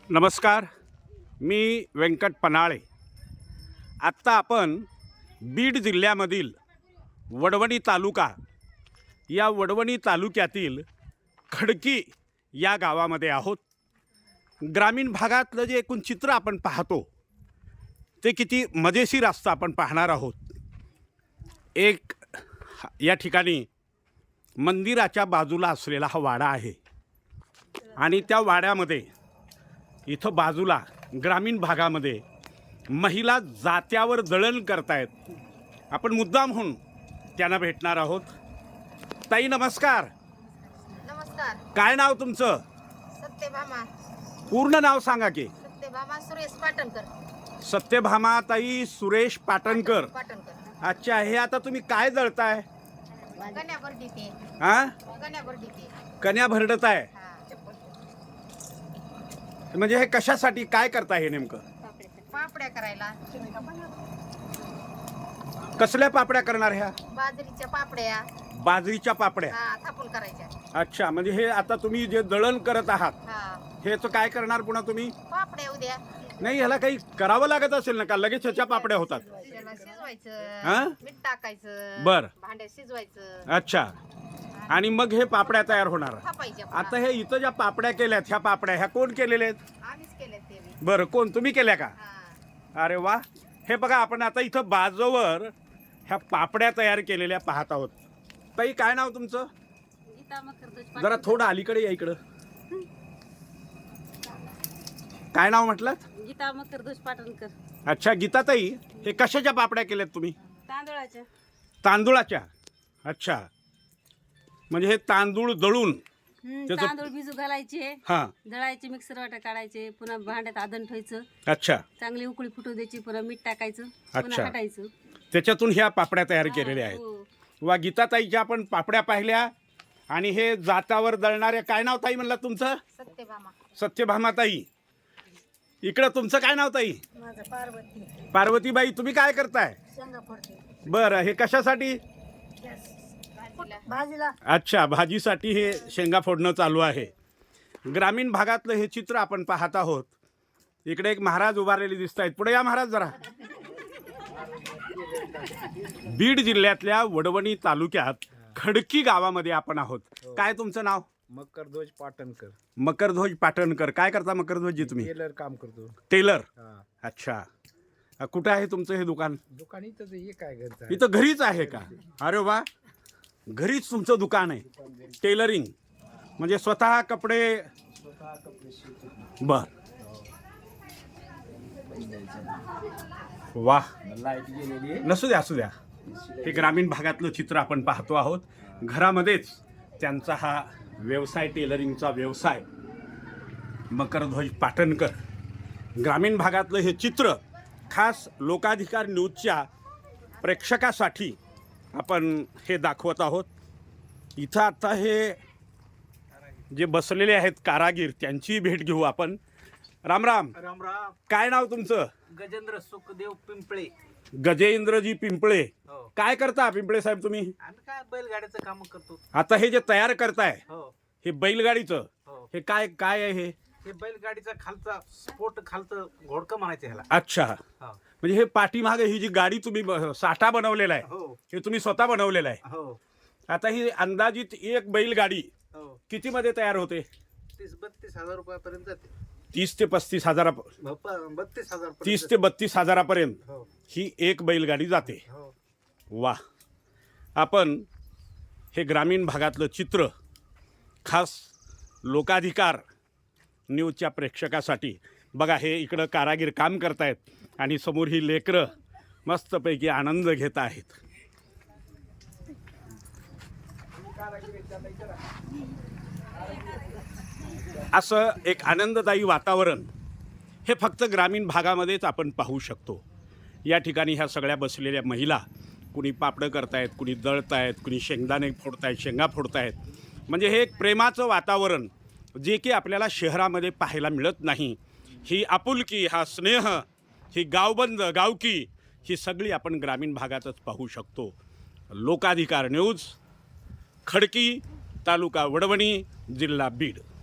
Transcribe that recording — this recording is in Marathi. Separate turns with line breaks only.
नमस्कार, मी व्यंकट पनाळे। आत्ता आपण बीड जिल्ह्यामधील वडवणी तालुका या वडवणी तालुक्यातील खडकी या गावामध्ये आहोत। ग्रामीण भागातलं जे एकूण चित्र आपण पाहतो ते किती मजेशीर असतं आपण पाहणार आहोत। एक या ठिकाणी मंदिराच्या बाजूला असलेला हा वाडा आहे आणि त्या वाड्यामध्ये इथं बाजूला ग्रामीण भागामध्ये महिला जात्यावर दळण करतायत। आपण मुद्दाम होऊन त्यांना भेटणार आहोत। ताई नमस्कार।
नमस्कार।
काय नाव तुमचं?
सत्यभामा।
पूर्ण नाव सांगा की?
सत्यभामा सुरेश पाटणकर।
सत्यभामा ताई सुरेश पाटणकर। अच्छा, हे आता तुम्ही काय दळताय?
कन्या भरडीते।
हां,
कन्या भरडीते।
कन्या भरडताय
हां।
म्हणजे हे कशासाठी काय करताय हे नेमकं?
पापड्या करायला।
कसल्या पापड्या करणार ह्या?
बाजरीच्या पापड्या।
बाजरीच्या पापड्या।
हां, थापून करायच्या।
अच्छा, म्हणजे हे आता तुम्ही जे दळण करत आहात
हां।
हेच काय करणार पुन्हा तुम्ही?
पापड्या उद्या।
नाही, ह्याला काही करावं लागत असेल ना का? लगेच ह्याच्या पापड्या होतात?
त्याला शिजवायचं।
हां?
मीठ टाकायचं।
बरं।
भांड्यात शिजवायचं।
अच्छा, आणि मग हे पापड्या तयार होणार।
थापायच्या।
आता हे इथं ज्या पापड्या केल्यात ह्या पापड्या ह्या कोण केलेल्या आहेत?
आम्हीच केले ते बी।
बरं, कोण? तुम्ही केल्या का?
हां।
अरे वा। हे बघा, आपण आता इथं बाजूवर ह्या पापड्या तयार केलेल्या पाहत आहोत। ताई काय नाव तुमचं? जरा थोडं अलीकडे या इकडं। काय नाव म्हटलं?
गीता मकरदोष पाटणकर।
अच्छा गीताताई, हे कशाच्या पापड्या केल्यात तुम्ही?
तांदळाच्या।
तांदूळाच्या। अच्छा, म्हणजे हे तांदूळ दळून त्याचं-
तांदूळ भिजू घालायचे,
हां,
दळायचे, मिक्सर वाटा काढायचे, पुन्हा भांड्यात आदन ठेवायचं,
अच्छा,
चांगली उकळी फुटू द्यायची, पुन्हा मीठ टाकायचं,
अच्छा.
पुन्हा हटायचं।
त्याच्यातून ह्या पापड्या तयार केलेल्या आहेत।
हो.
वा, गीताताईच्या आपण पापड्या पाहिल्या। आणि हे जातावर दळणारे, काय नाव ताई म्हणला तुमचं?
सत्यभामा।
सत्यभामाताई। इकडं तुमचं काय नाव ताई?
माझं पार्वती।
पार्वतीबाई, तुम्ही काय करताय?
शेंगा फोडते।
बरं, हे कशासाठी?
भाजीला।
अच्छा, भाजीसाठी हे शेंगा फोडणं चालू आहे। ग्रामीण भागातलं हे चित्र आपण पाहत आहोत। इकडे एक महाराज उभारलेले दिसत आहेत। पुढे या महाराज जरा। बीड जिल्ह्यातल्या वडवणी तालुक्यात खडकी गावामध्ये आपण आहोत। काय तुमचं नाव?
मकरध्वज पाटणकर।
मकरध्वज पाटणकर। काय करता मकरध्वजजी तुम्ही?
टेलर काम करतो।
टेलर।
हा,
अच्छा, कुठे आहे तुमचं हे दुकान?
दुकान इथंच आहे, हे काय घरचं आहे?
इथं घरीच आहे का? अरे वा, घरीच तुमचं दुकान आहे। टेलरिंग म्हणजे स्वतः कपडे? बर, वा,
लाईट गेलेली आहे।
नसू द्या, असू द्या। हे ग्रामीण भागातलं चित्र आपण पाहतो आहोत। घरामध्येच त्यांचा हा व्यवसाय, टेलरिंगचा व्यवसाय। मकरध्वज पाटणकर। ग्रामीण भागातलं हे चित्र खास लोकाधिकार न्यूजच्या प्रेक्षकासाठी आपण हे दाखवत आहोत। इथं आता हे जे बसलेले आहेत कारागीर, त्यांची भेट घेऊ आपण। राम राम।
राम राम।
काय नाव तुमचं?
गजेंद्र सुखदेव पिंपळे।
गजेंद्रजी पिंपळे।
हो।
काय करता पिंपळे साहेब तुम्ही?
आम्ही काय बैलगाड्याचं काम करतो।
आता हे जे तयार करताय
हो
हे बैलगाडीचं,
हो।
हे काय काय आहे हे?
हे बैलगाडीचा खालचा स्पोर्ट, खालचं घोडकं म्हणायचं ह्याला।
अच्छा,
हो
म्हणजे हे पाठीमागे ही जी गाडी तुम्ही साठा बनवलेला आहे
हो
हे तुम्ही स्वतः बनवलेलं आहे।
हो
आता ही अंदाजित एक बैलगाडी
हो।
किती मध्ये तयार होते?
30-32 हजार रुपयापर्यंत जाते।
30 ते 35 हजार,
32 हजार।
30 ते 32 हजारापर्यंत
हो
ही एक बैलगाडी जाते।
हो।
वा, आपण हे ग्रामीण भागातलं चित्र खास लोकाधिकार न्यूजच्या प्रेक्षकासाठी बघा। हे इकडं कारागीर काम करतायत आणि समोर ही लेकरं मस्तपैकी आनंद घेत आहेत। असं एक आनंददायी वातावरण हे फक्त ग्रामीण भागामध्येच आपण पाहू शकतो। या ठिकाणी ह्या सगळ्या बसलेल्या महिला कुणी पापडं करतायत, कुणी दळतायत, कुणी शेंगदाणे फोडतायत, शेंगा फोडतायत। म्हणजे हे एक प्रेमाचं वातावरण जे की आपल्याला शहरामध्ये पाहायला मिळत नाही। ही आपुलकी, हा स्नेह, ही गावबंद गावकी, ही सगळी आपण ग्रामीण भागातच पाहू शकतो। लोकाधिकार न्यूज, खडकी, तालुका वडवणी, जिल्हा बीड।